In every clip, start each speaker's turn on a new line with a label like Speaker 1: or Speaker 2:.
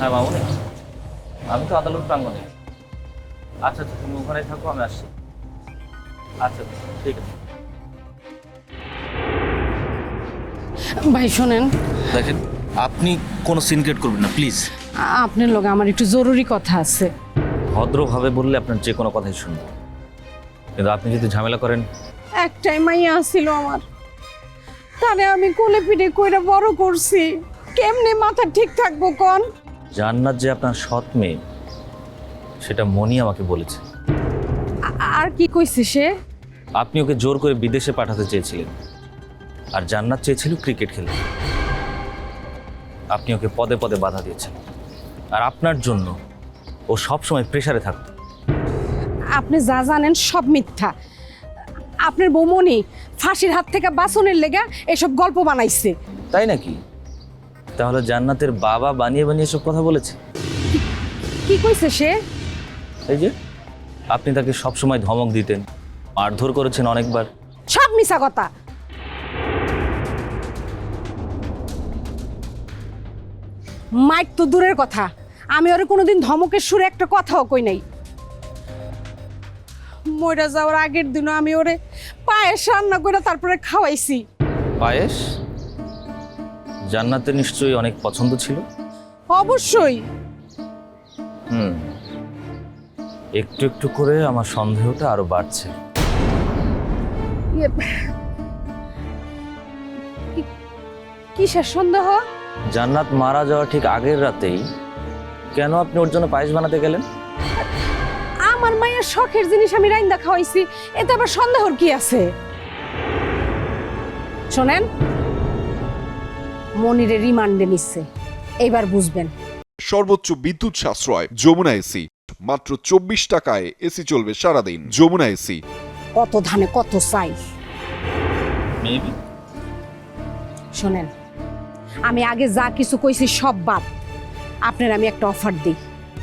Speaker 1: হ্যাঁ মামুনি, আমি তো আদালত প্রাঙ্গণে। আচ্ছা আচ্ছা, তুমি ওখানে থাকো, আমি আসছি। আচ্ছা ঠিক আছে।
Speaker 2: ভাই শোনেন,
Speaker 1: দেখেন, আপনি কোনো সিন ক্রিয়েট করবেন না প্লিজ।
Speaker 2: আপনার লগে আমার একটু জরুরি কথা আছে।
Speaker 1: ভদ্রভাবে বললে আপনার যে কোনো কথাই শুনবো, কিন্তু আপনি যদি ঝামেলা করেন।
Speaker 2: একটাই মাইয়া আসছিল আমার, তারে আমি কোলে পিঠে কইরা বড় করছি, কেমনে মাথা ঠিক থাকবো কোন?
Speaker 1: জান্নাত যে আপনার সৎ মেয়ে, সেটা মনি আমাকে বলেছে।
Speaker 2: আর কি কইছে সে?
Speaker 1: আপনি ওকে জোর করে বিদেশে পাঠাতে চেয়েছিলেন, আর জান্নাত চেয়েছিল ক্রিকেট খেলতে। আপনি ওকে পদে পদে বাধা দিয়েছেন, আর আপনার জন্য ও সবসময় প্রেসারে থাকত।
Speaker 2: আপনি যা জানেন সব মিথ্যা। আপনার বৌমনি ফাঁসির হাত থেকে বাঁচনের লেগা এসব গল্প বানাইছে।
Speaker 1: তাই নাকি? তাহলে জান্নাতের বাবা বানিয়ে বানিয়ে সব কথা বলেছে।
Speaker 2: কি কইছে সে?
Speaker 1: এই যে আপনি তাকে সবসময় ধমক দিতেন, মারধর করেছেন অনেকবার।
Speaker 2: সব মিছা কথা। মাইক তো দূরের কথা, আমি ওরে কোনোদিন ধমকের সুরে একটা কথাও কই নাই। মইরা যাওয়ার আগের দিনও আমি ওরে পায়েস রান্না করে তারপরে খাওয়াইছি।
Speaker 1: পায়েস? জান্নাতের নিশ্চয়ই অনেক পছন্দ ছিল।
Speaker 2: অবশ্যই।
Speaker 1: একটু একটু করে আমার সন্দেহটা আরো বাড়ছে।
Speaker 2: কিসের সন্দেহ?
Speaker 1: জান্নাত মারা যাওয়ার ঠিক আগের রাতেই কেন আপনি ওর জন্য পায়েস বানাতে গেলেন?
Speaker 2: আমার মায়ের শখের জিনিস আমি রাইন্দা খাওয়াইছি, এতে আবার সন্দেহর কি আছে? শোনেন, মনিরে রিমান্ডে নিচ্ছে, এইবার বুঝবেন।
Speaker 3: সর্বোচ্চ বিদ্যুৎ সাশ্রয় যমুনা এসি, মাত্র 24 টাকায় এসি চলবে সারাদিন। যমুনা এসি।
Speaker 2: কত ধানে কত চাই।
Speaker 1: মেবি।
Speaker 2: শোনেন, আমি আগে যা কিছু কইছি সব বাদ। আপনার আমি একটা অফার দিই।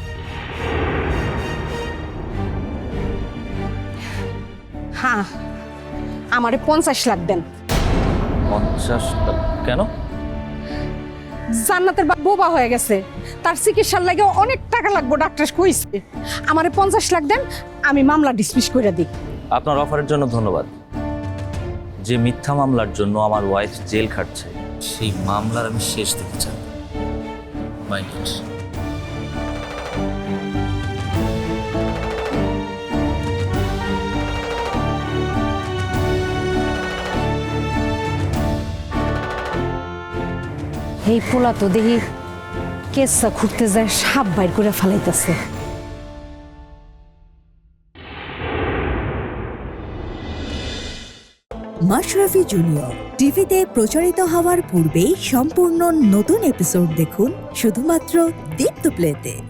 Speaker 2: হ্যাঁ, আমারে 50 লাখ দেন।
Speaker 1: 50 টাকা? কেন?
Speaker 2: জান্নাতের বাপ বোবা হয়ে গেছে, তার চিকিৎসার লাগে অনেক টাকা লাগবে, ডাক্তার কইছে। আমারে 50 লাখ দেন, আমি মামলা ডিসমিস করে দিই।
Speaker 1: আপনার অফারের জন্য ধন্যবাদ। যে মিথ্যা মামলার জন্য আমার ওয়াইফ জেল খাটছে, সেই মামলার আমি শেষ দেখতে চাই। মাইন্ড।
Speaker 2: এই পোলা তো দেখি কেসা ঘুরতে যায় সাপ বাইর করে ফেলাইতেছে।
Speaker 4: মাশরাফি জুনিয়র টিভিতে প্রচারিত হওয়ার পূর্বেই সম্পূর্ণ নতুন এপিসোড দেখুন শুধুমাত্র দীপ্ত প্লেতে।